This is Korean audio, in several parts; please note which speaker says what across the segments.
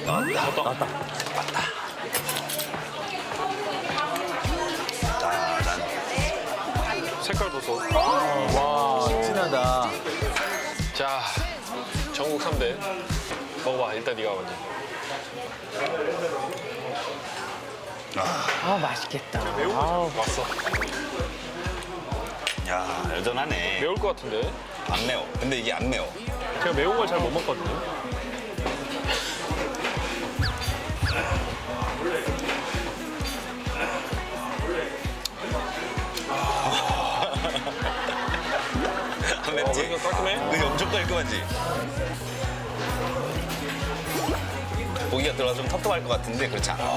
Speaker 1: 나왔다.
Speaker 2: 색깔 보소.
Speaker 1: 와, 진하다.
Speaker 2: 자, 전국 3대. 먹어봐. 일단 네가 먼저.
Speaker 3: 아, 맛있겠다.
Speaker 2: 왔어.
Speaker 4: 야, 여전하네.
Speaker 2: 매울 것 같은데.
Speaker 4: 안 매워. 근데 이게 안 매워.
Speaker 2: 제가 매운 걸 잘 못 먹거든요.
Speaker 4: 안 맵지?
Speaker 2: 이거 깔끔해?
Speaker 4: 그게 엄청 깔끔하지? 고기가 들어가 좀 텁텁할 것 같은데 그렇지 않아.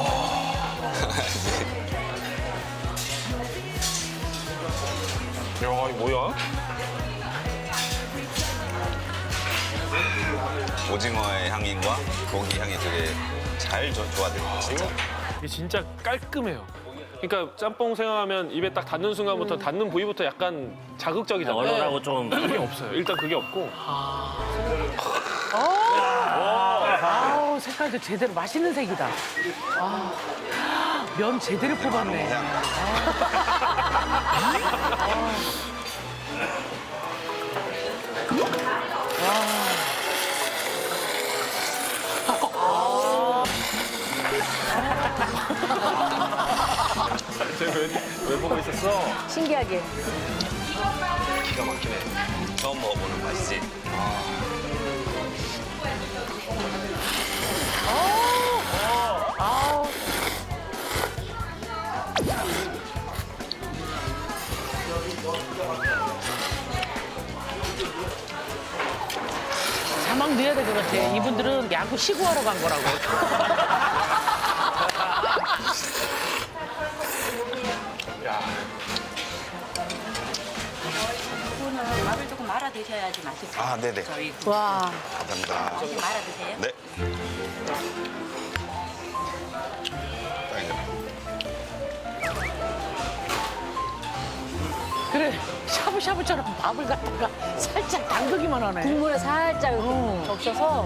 Speaker 2: 야, 이거 뭐야?
Speaker 4: 오징어의 향과 고기 향이 되게 잘 조화돼. 진짜.
Speaker 2: 이게 진짜 깔끔해요. 그러니까 짬뽕 생각하면 입에 딱 닿는 순간부터 닿는 부위부터 약간 자극적이잖아요.
Speaker 1: 얼얼하고 좀.
Speaker 2: 그게 없어요. 일단 그게 없고.
Speaker 3: 아우, 색깔도 제대로 맛있는 색이다. 아, 면 제대로 뽑았네.
Speaker 4: 향.
Speaker 2: 왜 보고 있었어?
Speaker 5: 신기하게.
Speaker 4: 기가 막히네. 처음 먹어보는 맛이지.
Speaker 3: 자막 넣어야 될 것 같아. 이분들은 야구 시구하러 간 거라고.
Speaker 2: 야,
Speaker 6: 이거는 밥을 조금 말아 드셔야지 맛있어요.
Speaker 4: 아, 네네.
Speaker 6: 저희
Speaker 5: 와.
Speaker 4: 감사합니다.
Speaker 6: 말아 드세요.
Speaker 4: 네. 딱이네.
Speaker 3: 그래, 샤브샤브처럼 밥을 갖다가 살짝 담그기만 하네.
Speaker 5: 국물에 살짝 이렇게 적셔서.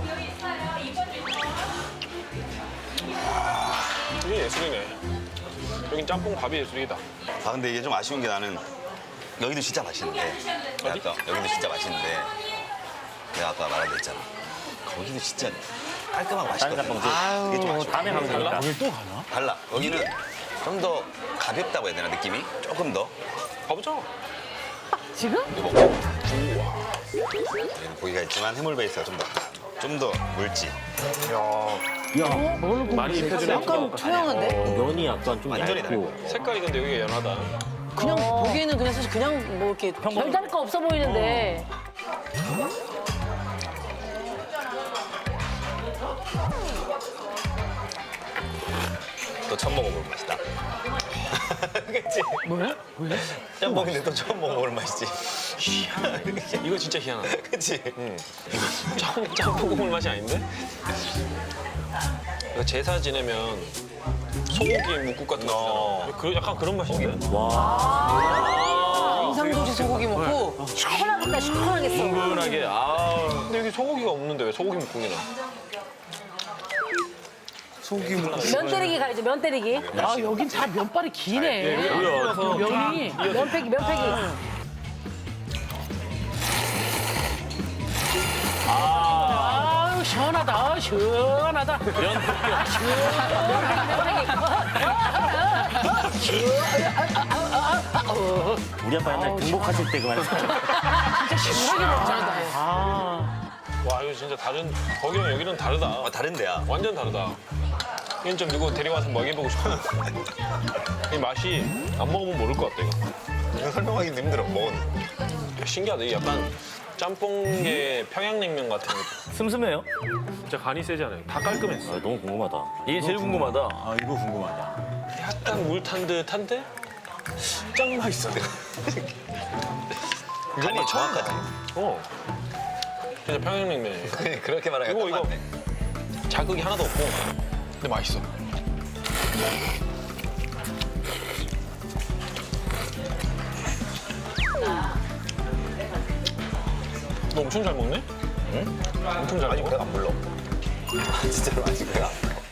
Speaker 2: 이게 예술이네. 여긴 짬뽕 밥이 예술이다.
Speaker 4: 아, 근데 이게 좀 아쉬운 게 나는 여기도 진짜 맛있는데.
Speaker 2: 어디?
Speaker 4: 아까 여기도 진짜 맛있는데. 내가 아까 말한 데 있잖아. 거기도 진짜 깔끔하고
Speaker 1: 다른
Speaker 4: 맛있거든.
Speaker 1: 짬뽕집.
Speaker 4: 그게 좀 아쉬워.
Speaker 1: 다음에 가면 되니까.
Speaker 4: 달라. 여기는 좀 더 가볍다고 해야 되나 느낌이? 조금 더.
Speaker 2: 가보자.
Speaker 3: 지금?
Speaker 4: 이거 먹고. 여기는 고기가 있지만 해물 베이스가 좀 더 묽지.
Speaker 2: 많이 입혀주네.
Speaker 5: 약간 초양한데?
Speaker 1: 면이 약간 좀
Speaker 4: 완전히
Speaker 1: 얇고.
Speaker 2: 색깔이 근데 여기가 연하다.
Speaker 5: 그냥 보기에는 그냥 사실 그냥 뭐 이렇게 별다를 거 없어 보이는데.
Speaker 4: 또 처음 먹어볼 맛이다. 그치?
Speaker 3: 뭐야? 왜?
Speaker 4: 짬뽕인데 또 처음 먹어볼 맛이지.
Speaker 2: 이거 진짜 희한하다.
Speaker 4: 그치?
Speaker 2: 짬뽕 국물 맛이 아닌데? 이거 제사 지내면 소고기 묵국 같은 거 있잖아. 약간 그런 맛인데?
Speaker 5: 인상도시 소고기 먹고 시원하겠다, 시원하겠어.
Speaker 2: 은근하게. 근데 여기 소고기가 없는데 왜 소고기 묵국이나?
Speaker 5: 면 때리기 가야죠, 면 때리기.
Speaker 3: 아, 여긴 다 면발이 기네. 면이.
Speaker 5: 면패기, 면패기.
Speaker 3: 아유, 시원하다, 시원하다.
Speaker 1: 우리 아빠 옛날 등복하실 때 그 말이야.
Speaker 3: 진짜 시원하게 먹잖아.
Speaker 2: 와, 이거 진짜 거기랑 여기는 다르다.
Speaker 4: 아, 다른 데야.
Speaker 2: 완전 다르다. 이건 좀 누구 데려와서 먹여보고 싶어. 이 맛이 안 먹으면 모를 것 같다, 이거.
Speaker 4: 이거 설명하기도 힘들어, 먹었는데.
Speaker 2: 야, 신기하다. 이게 약간 짬뽕의 평양냉면 같은 거.
Speaker 1: 슴슴해요?
Speaker 2: 진짜 간이 세지 않아요. 다 깔끔했어.
Speaker 1: 아, 너무 궁금하다.
Speaker 7: 이게 제일 궁금하다. 아, 이거 궁금하다.
Speaker 2: 약간 물 탄 듯한데 짱 맛있어.
Speaker 4: 간이 정확하지.
Speaker 2: 진짜 평양냉면이에요.
Speaker 4: 그렇게 말하니까
Speaker 2: 이거,
Speaker 4: 딱
Speaker 2: 이거.
Speaker 4: 맞네.
Speaker 2: 자극이 하나도 없고 근데 맛있어. 너 엄청 잘 먹네? 응? 엄청 잘
Speaker 4: 아니,
Speaker 2: 먹어?
Speaker 4: 배가 안 불러. 진짜로 아직 배가 안 고파.